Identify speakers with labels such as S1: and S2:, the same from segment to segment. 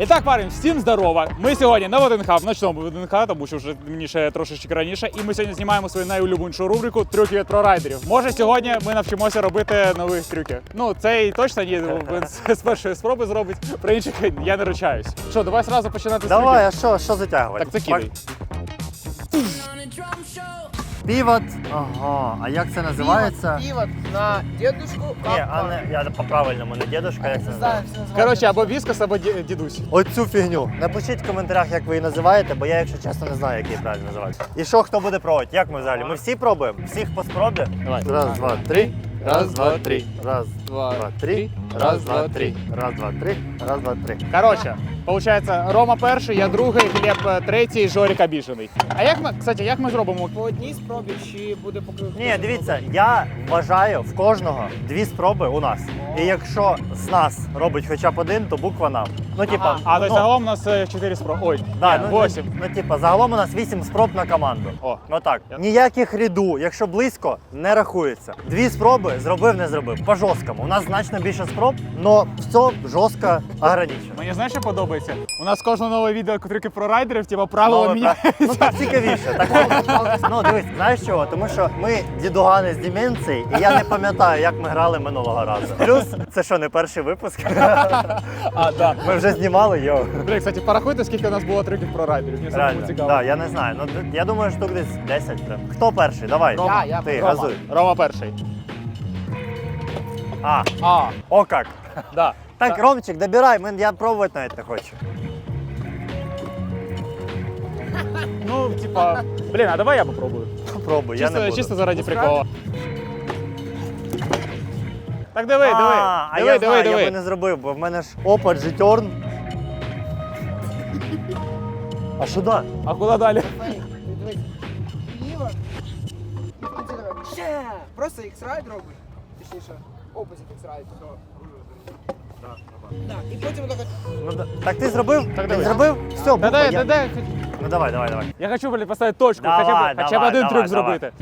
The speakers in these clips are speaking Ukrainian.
S1: І так, парень, всім здорово. Ми сьогодні на ВДНХ, в ночному ВДНХ, тому що вже мені ще трошечки раніше. І ми сьогодні знімаємо свою найулюбленішу рубрику «Трюки від прорайдерів». Може, сьогодні ми навчимося робити нових трюків. Ну, цей точно ні, він з першої спроби зробить, про інших я не ручаюсь. Що, давай одразу починати з трюків?
S2: Давай, а що затягувати?
S1: Так, це кидай.
S2: Півот. Ага, а як це називається?
S3: Пивот на дедушку.
S2: Ні, а не, я по-правильному, не дедушка, як це називається?
S1: Коротше, або віскас, або дідусь.
S2: Оцю фігню. Напишіть в коментарях, як ви її називаєте, бо я, якщо чесно, не знаю, як її правильно називати. І що, хто буде пробувати? Як ми взагалі? Ми всі пробуємо? Всіх по спробі?
S1: Давай.
S2: Раз, два, три.
S1: Раз, два, три.
S2: Раз, два, три. Раз, два, три. Раз, два, три. Раз, два, три.
S1: Коротше, получається, Рома перший, я другий, Глеб третій, Жорик обіжений. А як ми, кстати, як ми зробимо?
S3: По одній спробі чи буде поки.
S2: Ні, дивіться, я вважаю в кожного 2 спроби у нас. І якщо з нас робить хоча б один, то буква нам. Ну, типа,
S1: А, то
S2: ну,
S1: загалом у нас 4 спроби. Ой,
S2: да,
S1: ні,
S2: ну,
S1: 8.
S2: ну, типа, загалом у нас 8 спроб на команду.
S1: О.
S2: Ну так. Ніяких ряду, якщо близько, не рахується. 2 спроби зробив, не зробив. По жорсткому. У нас значно більше спроб, але все жорстко ограничено.
S1: Мені знаєш, що подобається? У нас кожне нове відео трюки про райдерів, типа правила
S2: Ну,
S1: міняються.
S2: ну так цікавіше. Так, ну дивись, знаєш чого? Тому що ми дідугани з деменції, і я не пам'ятаю, як ми грали минулого разу. Плюс, це що, не перший випуск?
S1: А, да.
S2: Ми вже знімали його.
S1: Блін, кстати, порахуйте, скільки у нас було трюків про райдерів. Мені самому
S2: Реально,
S1: цікаво.
S2: да, я не знаю. Ну, я думаю, штук десь 10 прям. Хто перший? Давай.
S1: Рома,
S3: Я.
S2: Ти,
S1: Рома.
S2: газуй.
S1: Рома перший.
S2: А,
S1: А,
S2: о як.
S1: да.
S2: Так, Ромчик, добирай, я пробувати навіть не хочу.
S1: Ну, типа, блін, а давай я попробую.
S2: Пробуй, я не буду.
S1: Чисто заради прикола. Так диви, диви.
S2: А
S1: Диви,
S2: я
S1: диви,
S2: знаю, я би
S1: диви.
S2: не зробив, бо в мене ж опа, джетерн. А що да?
S1: А куди далі?
S3: Дивись. Пивот. І ти давай. Ще. Просто X-Ride робиш. Точніше, опозит X-Ride. Так, і потім так.
S2: Ну, так ти зробив?
S1: Так,
S2: Ти
S1: давай.
S2: зробив? Все,
S1: Та
S2: буква,
S1: дай,
S2: я...
S1: дай.
S2: Ну давай, давай, давай.
S1: Я хочу, блін, поставити точку,
S2: Давай,
S1: хоча б один
S2: давай,
S1: трюк
S2: давай.
S1: зробити.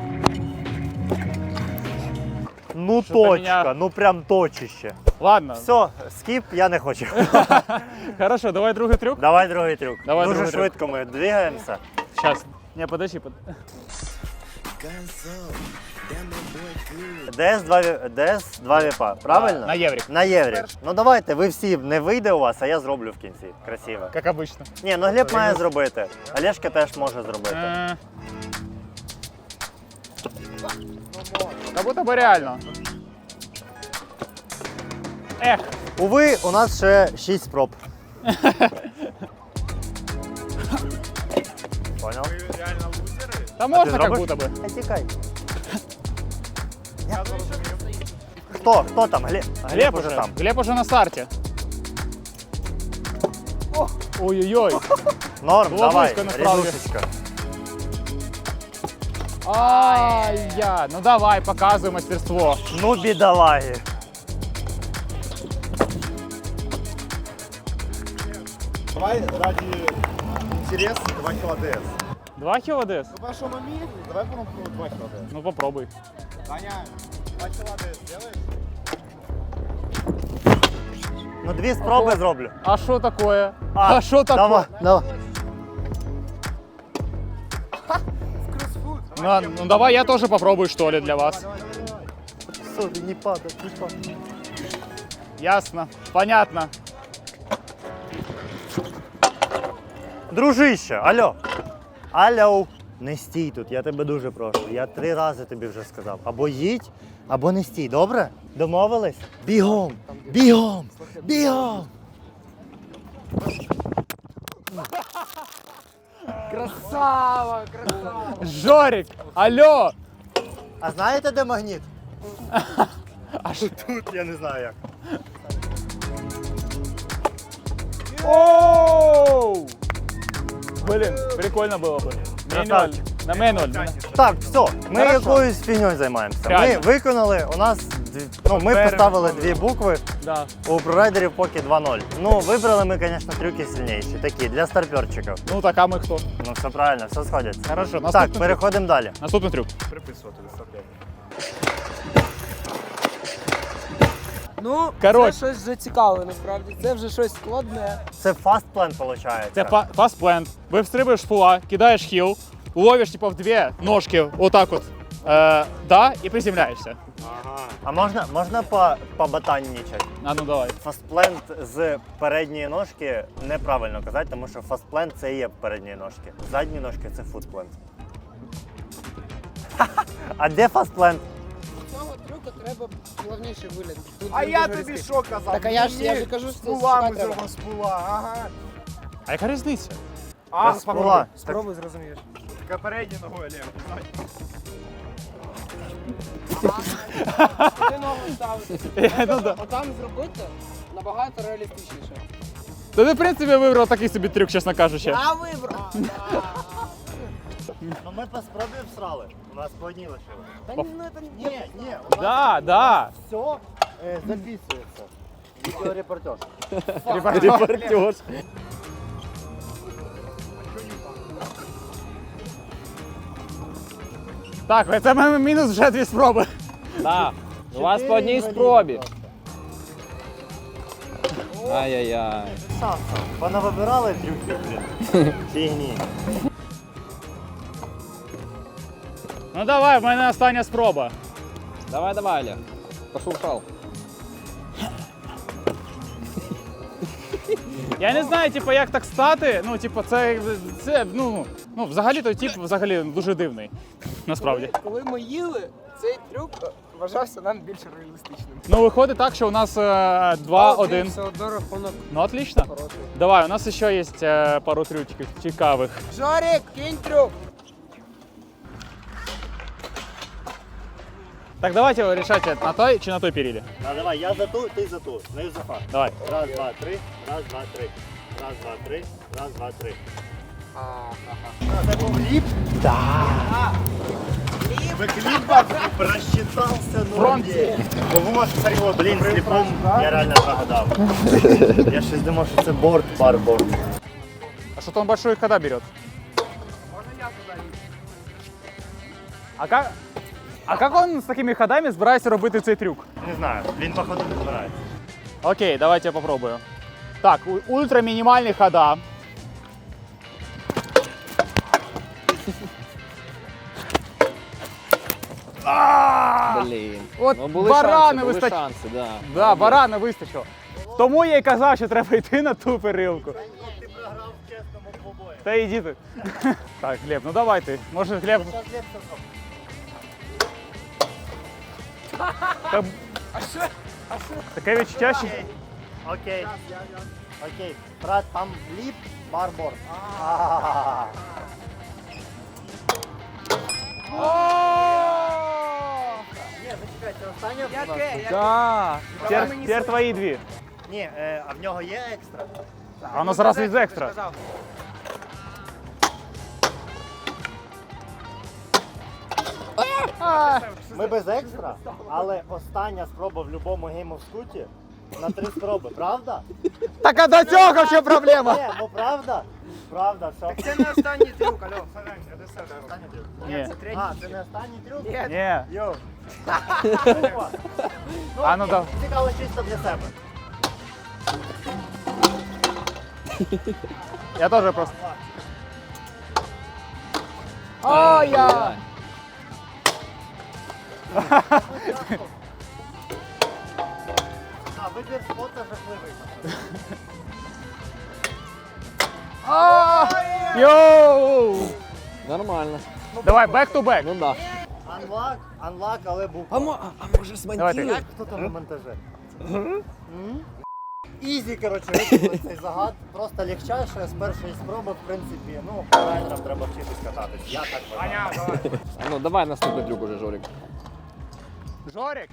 S2: Ну
S1: Що
S2: точка,
S1: мене-
S2: ну прям точище.
S1: Ладно.
S2: Все, скіп, я не хочу.
S1: Хорошо, давай другий трюк.
S2: Давай другий трюк.
S1: Давай
S2: Дуже
S1: другий трюк.
S2: швидко ми двигаємося.
S1: Сейчас. Не, подожди.
S2: ДС-2 віпа, правильно?
S1: На єврік.
S2: На єврік. Ну давайте, ви всі, не вийде у вас, а я зроблю в кінці. Красиво.
S1: Как обычно.
S2: Ні, ну Глеб має зробити. Олешка теж може зробити.
S1: Как будто бы реально. Эх.
S2: Уви, у нас ще 6 спроб. Понял?
S1: Да можно как
S2: зробиш?
S1: будто бы.
S2: Тікай. Хто там? Глеб уже там.
S1: Глеб уже на старте. Ой-ой-ой.
S2: Норм,
S1: Було
S2: давай,
S1: близько, насправді.
S2: рядушечка.
S1: Ай-я. Ну давай, показывай мастерство.
S2: Ну, бідолаги.
S4: Давай ради интереса 2 кило ДС.
S1: 2 кило ДС?
S4: Ну пошел на миг, давай попробуем 2 кило ДС.
S1: Ну попробуй.
S4: Таня, 2 кило ДС сделаешь?
S2: Ну, 2 спроби зроблю.
S1: А что такое? А что такое?
S2: Давай, давай.
S1: Ну давай я тоже попробую, что ли, для вас.
S2: Все, не падай, не падай.
S1: Ясно. Понятно.
S2: Дружище, алло. Алло. Не стій тут, я тебе дуже прошу. Я 3 рази тобі вже сказав. Або їдь, або не стій, добре? Домовились? Бігом! Бігом! Бігом!
S3: Красава, красава.
S1: Жорик, алло.
S2: А знаєте, де магніт?
S1: А що?
S2: Тут, я не знаю як.
S1: Оу! Блин, прикольно было бы. Менюаль.
S2: Красавчик.
S1: На менюаль.
S2: Так, все, ми
S1: Хорошо.
S2: якоюсь фігньою займаємося.
S1: Реально.
S2: Ми виконали, у нас, ми поставили 2 букви,
S1: Да.
S2: у прорайдерів поки 2-0. Ну, вибрали ми, звісно, трюки сильніші, такі, для старперчиків.
S1: Ну так, а мы кто?
S2: Ну, все правильно, все сходиться.
S1: Хорошо,
S2: Так,
S1: наступний трюк.
S2: переходимо далі.
S1: Наступний трюк.
S3: Ну,
S1: Коротше.
S3: це щось вже цікаве, насправді. Це вже щось складне.
S2: Це фастплен, виходить.
S1: Це фастплент. Вистрибуєш з фула, кидаєш хіл, ловиш типу в дві ножки, отак от, да, і приземляєшся.
S2: А можна побатаннічати?
S1: А ну давай.
S2: Фастплент з передньої ножки неправильно казати, тому що фастплент це і є передні ножки. Задні ножки це футплент. А де фастплент?
S3: Цього трюка треба плавніше вигляд. Тут
S4: А
S3: він
S4: я
S3: дуже
S4: тобі
S3: різкий.
S4: що казав?
S3: Так, а я ж кажу, що
S4: з пулами
S3: шукати треба.
S4: зробимо з пула, ага.
S1: А яка різниця?
S4: А,
S2: Без
S4: спробуй.
S2: пула.
S3: Спробуй, зрозумієш.
S4: Така передня ногою, Олег.
S3: Ти ногу ставити.
S1: Ну да.
S3: Отам зробити набагато реалістичніше.
S1: Та ти, в принципі, вибрав такий собі трюк, чесно кажучи.
S3: Я вибрав!
S2: Ну ми по спробі всрали. У нас по одній лишили.
S3: Та ні, ну це
S2: Ні, у нас
S1: Да, да.
S2: все записується. Відеорепортаж.
S1: Репортер. Так, це маємо мінус вже 2 спроби.
S5: Так, у вас по одній спробі. Ай-яй-яй.
S2: Шансом. Понавибирали трюки, блін. Фігні.
S1: Ну давай, в мене остання спроба.
S5: Давай, давай, Олег. Пошуршал.
S1: Я не знаю, типу, як так стати. Ну, типу, це взагалі той тип взагалі дуже дивний. Насправді.
S3: Коли ми їли, цей трюк вважався нам більш реалістичним.
S1: Ну, виходить так, що у нас 2-1.
S3: Все одно рахунок
S1: Ну, отлично.
S3: хороший.
S1: Давай, у нас ще є пару трюків цікавих.
S3: Жорик, кинь трюк!
S1: Так, давайте решайте, на той чи на той перілі.
S2: А давай, я за ту, ти за ту. Ну і за факт.
S1: Давай.
S2: Раз, два, три. Раз, два, три. Раз, два, три. Раз, два, три. Це був ліп? Да. Ви кліп просчитався, ну ні. Бо ви можете серйозно. Блін, сліпом я реально прогадав. Я щось думав, що це борт, барборд.
S1: А что-то он большой хода берет.
S3: Можна я туди?
S1: А как он з такими ходами збирається робити цей трюк?
S2: Не знаю, він походу не збирається.
S1: Окей, давайте я попробую. Так, ультра мінімальні хода.
S5: Блін.
S1: От
S5: Ну, були
S1: барани
S5: шанси, були
S1: вистачить.
S5: шанси, да.
S1: Да, барана вистачило. Тому я й казав, що треба йти на ту перилку.
S2: Ти програв в чесному двобої.
S1: Та йди ти. Так, Глеб, ну давай ти. Може, Глеб. Так, таке відчуття, що...
S2: Окей. Окей. Брат, там ліп, барборд. Ні, зачекайте, остання.
S3: Яке?
S1: Да. Тепер твої дві.
S2: Ні, а в нього є екстра?
S1: А воно зараз від екстра.
S2: Ми без екстра, але остання спроба в будь-якому Game of Scoot на 3 спроби, правда?
S1: Так а до цього що проблема?
S2: Ні, ну правда? Правда, що?
S3: Це не останній трюк, алло.
S2: Останній трюк.
S1: Ні.
S3: Це третій.
S2: А, це не останній трюк?
S3: Ні.
S1: Ні.
S2: Йоу.
S1: А ну да.
S2: Цікаво чисто для себе.
S1: Я теж просто.
S3: О, я!
S2: А, вибір спота жахливий.
S1: Йоу!
S5: Нормально.
S1: Давай, back to back.
S5: Ну да.
S2: Unlock, але був.
S5: А може
S1: Давайте.
S2: Як хто там на монтаже? Ізі, коротше, виконали цей загад. Просто легчайше з першої спроби, в принципі, ну, райдерам треба вчитись кататись. Я так вважаю.
S5: А ну давай наступний трюк уже, Жорик.
S1: Жорик.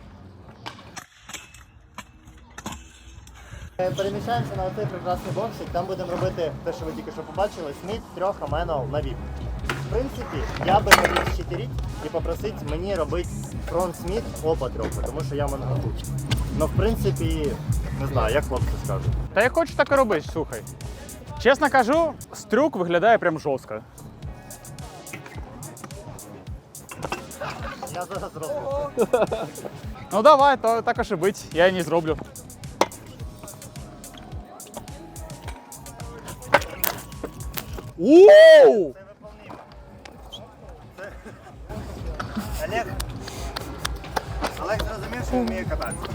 S2: Переміщаємося на цей прекрасний боксик, там будемо робити те, що ви тільки що побачили, сміт 3 аменов на віп. В принципі, я би хотів щитиріть і попросити мені робити фронт сміт опа трохи, тому що я монготуч. Ну, в принципі, не знаю, як хлопці скажуть.
S1: Та я хочу так і робити, слухай. Чесно кажу, трюк виглядає прям жорстко.
S2: Я зараз роблю.
S1: Ну давай, то також і бить, я не зроблю. Ууу!
S2: Це виповнимо. Олег. Олег зрозумів, що вміє кататися.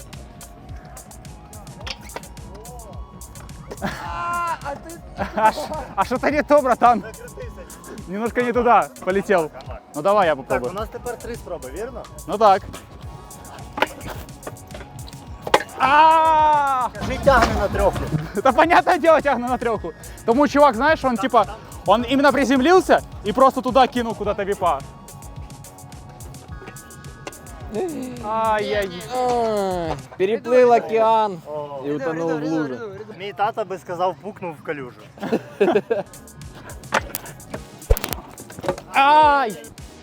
S1: А что-то не то, братан.
S2: Закрутився.
S1: Немножко не туда полетел. Ну давай я
S2: Так, у
S1: попробую.
S2: нас тепер 3 спроби, вірно?
S1: Ну так. А!
S2: Кажи, тягне на трьоху.
S1: Это понятное дело, тягну на треху. Тому чувак, знаешь, он типа, он именно приземлился и просто туда кинул куда-то випа. Ай-яй.
S5: Ай, переплыл океан
S2: О,
S5: и утонул в луже.
S2: Мій тато би сказав, пукнув в калюжу.
S1: Ай!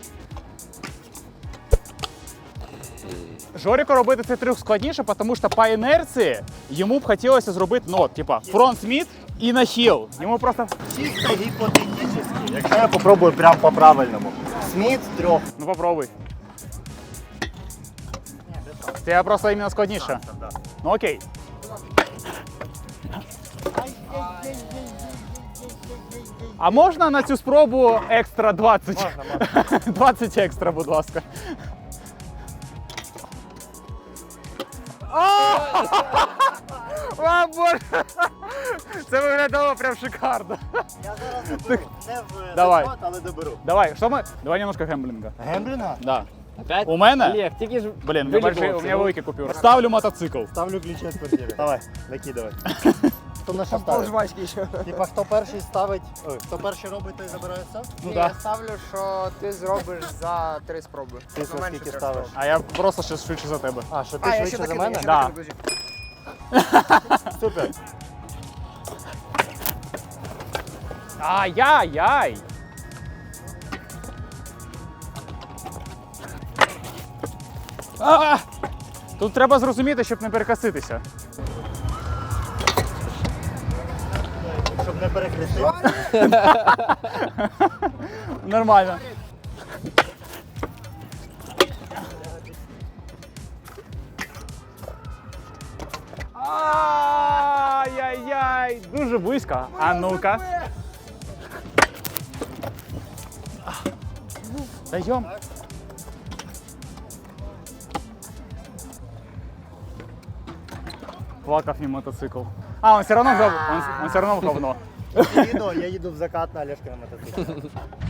S1: Жорику робити цей трюк складніше, тому що по інерції йому б хотілося зробити, ну, типа, фронт-сміт і нахил. Йому просто,
S2: Чисто гіпотетично. Якщо я попробую прям по-правильному. Сміт трьох.
S1: ну попробуй. Це просто іменно складніше. Ну окей. А можна на цю спробу екстра 20?
S2: Можна.
S1: 20 екстра, будь ласка. О, Боже! Це виглядало прям шикарно.
S2: Я зараз доберу. Не в
S1: Давай.
S2: захват, але доберу.
S1: Давай, що ми? Давай немножко гемблінга.
S2: Гемблінга?
S1: Да.
S5: Опять?
S1: У мене?
S5: Олег, тільки ж
S1: Блін,
S5: вилікувався,
S1: у мене
S5: ну.
S1: великі купюри. Ставлю мотоцикл.
S2: Ставлю ключі з квартири. Давай, накидавай. Хто на що
S3: Пол
S2: ставить?
S3: жвачки ще.
S2: Типа, хто перший ставить, ой, хто перший робить, той забирає все?
S1: Ну
S3: Ні,
S1: да.
S3: я ставлю, що ти зробиш за 3 спроби.
S2: Ти
S3: За менше
S2: скільки
S3: 3
S2: ставиш?
S1: А я просто ще швидше за тебе.
S2: А, що ти
S3: А, я ще
S2: швидше за
S3: докину,
S2: мене?
S3: я ще
S1: Да.
S3: докину, друзі.
S2: Супер.
S1: Ай-яй-яй! А! Тут треба зрозуміти, щоб не перекоситися.
S2: Щоб не перехрестити.
S1: Нормально. Ай-яй-яй! Дуже близько. А ну-ка. Даем. Плакав не мотоцикл. А, он все равно он все равно в говно.
S2: Я їду в закат на Олежка на мотоциклі.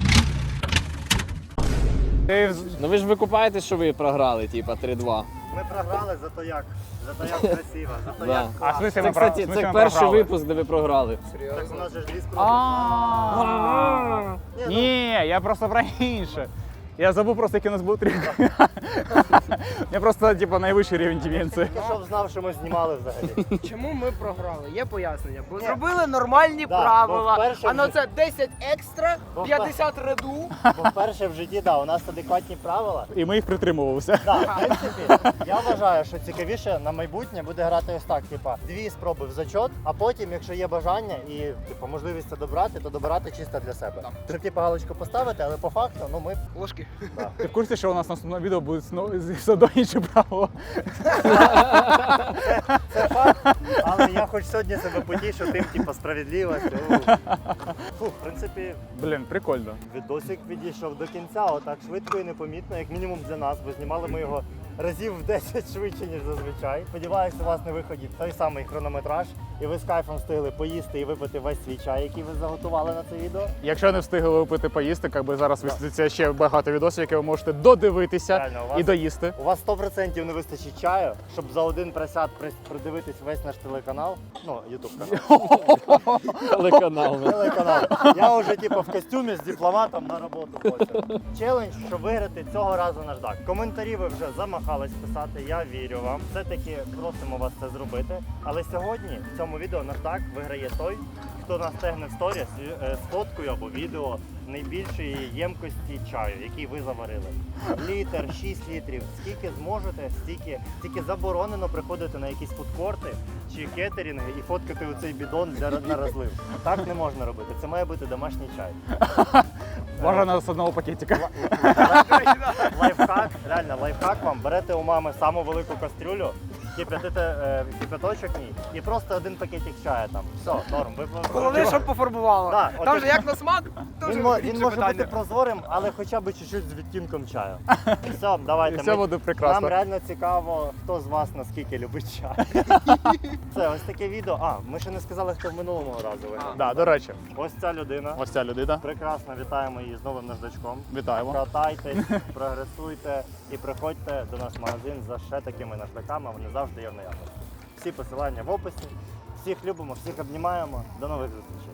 S1: Ти
S5: Ну ви ж викупаєтесь, що ви програли, типа 3-2.
S2: Ми програли, зато як красиво, зато
S5: Да.
S2: як
S1: А в смысле
S5: Це,
S1: ми
S5: кстати,
S1: ми
S5: це
S1: програли?
S5: перший випуск, де ви програли.
S2: Так у нас же ж дві спроби.
S1: А.
S2: Ні, ну,
S1: Ні, я просто про інше. Я забув просто, який у нас був трюк. Я просто, типу, найвищий рівень деменції.
S2: тільки щоб знав, що ми знімали взагалі.
S3: Чому ми програли? Є пояснення. Бо зробили нормальні
S2: Да, бо
S3: правила.
S2: вперше
S3: А ну
S2: вже-
S3: це 10 екстра,
S2: Бо
S3: 50 реду.
S2: Бо вперше в житті, да, у нас адекватні правила.
S1: І ми їх притримувалися.
S2: Да, в принципі, я вважаю, що цікавіше на майбутнє буде грати ось так, типа, 2 спроби в зачот, а потім, якщо є бажання і типу, можливість це добрати, то добирати чисто для себе. Щоб типу, галочку поставити, але по факту, ну ми
S3: Ложки.
S1: Ти в курсі, що у нас наступне відео буде знову інше правило?
S2: це факт, але я хоч сьогодні себе потішу тим, типу, справедливості. Фу, в принципі,
S1: Блін, прикольно.
S2: відосик підійшов до кінця, отак швидко і непомітно, як мінімум для нас, бо знімали ми його разів в 10 швидше, ніж зазвичай. Сподіваюся, у вас на виході той самий хронометраж, і ви з кайфом встигли поїсти і випити весь свій чай, який ви заготували на це відео.
S1: Якщо не встигли випити поїсти, якби зараз висвітлиться ще багато відосів, які ви можете додивитися
S2: Реально, у вас-
S1: і доїсти.
S2: У вас 100% не вистачить чаю, щоб за один присяд придивитись весь наш телеканал. Ну, ютуб канал.
S5: Телеканал.
S2: Телеканал. Я вже типу в костюмі з дипломатом на роботу хочу. Челендж, щоб виграти цього разу наждак. Коментарі ви вже замахались писати, я вірю вам. Все-таки просимо вас це зробити. Але сьогодні в цьому відео наждак виграє той, хто настегне в сторіс з фоткою або відео найбільшої ємкості чаю, який ви заварили. Літр, 6 літрів, скільки зможете, стільки. Тільки заборонено приходити на якісь фудкорти чи кетерінги і фоткати у цей бідон на розлив. Так не можна робити. Це має бути домашній чай.
S1: Бажано з одного пакетика.
S2: Лайфхак, реально, лайфхак вам. Берете у мами саму велику кастрюлю, кип'ятите кипяточок в ній і просто один пакетик чаю там. Все, норм. Ви
S3: Головне, щоб пофарбувало.
S2: Да,
S3: Там
S2: от
S3: же як на смак, дуже
S2: він
S3: інше
S2: може
S3: питання.
S2: бути прозорим, але хоча б чуть-чуть з відтінком чаю. Все, давайте.
S1: І все буде прекрасно.
S2: Нам реально цікаво, хто з вас наскільки любить чай. Це ось таке відео. А, ми ще не сказали, хто в минулому разу виграв.
S1: Да, до речі,
S2: Ось ця людина.
S1: ось ця людина.
S2: Прекрасно, вітаємо її з новим наждачком.
S1: Вітаємо.
S2: Катайтесь, прогресуйте і приходьте до нас в магазин за ще такими наждаками, вони завжди є в наявності. Всі посилання в описі. Всіх любимо, всіх обнімаємо. До нових зустрічей.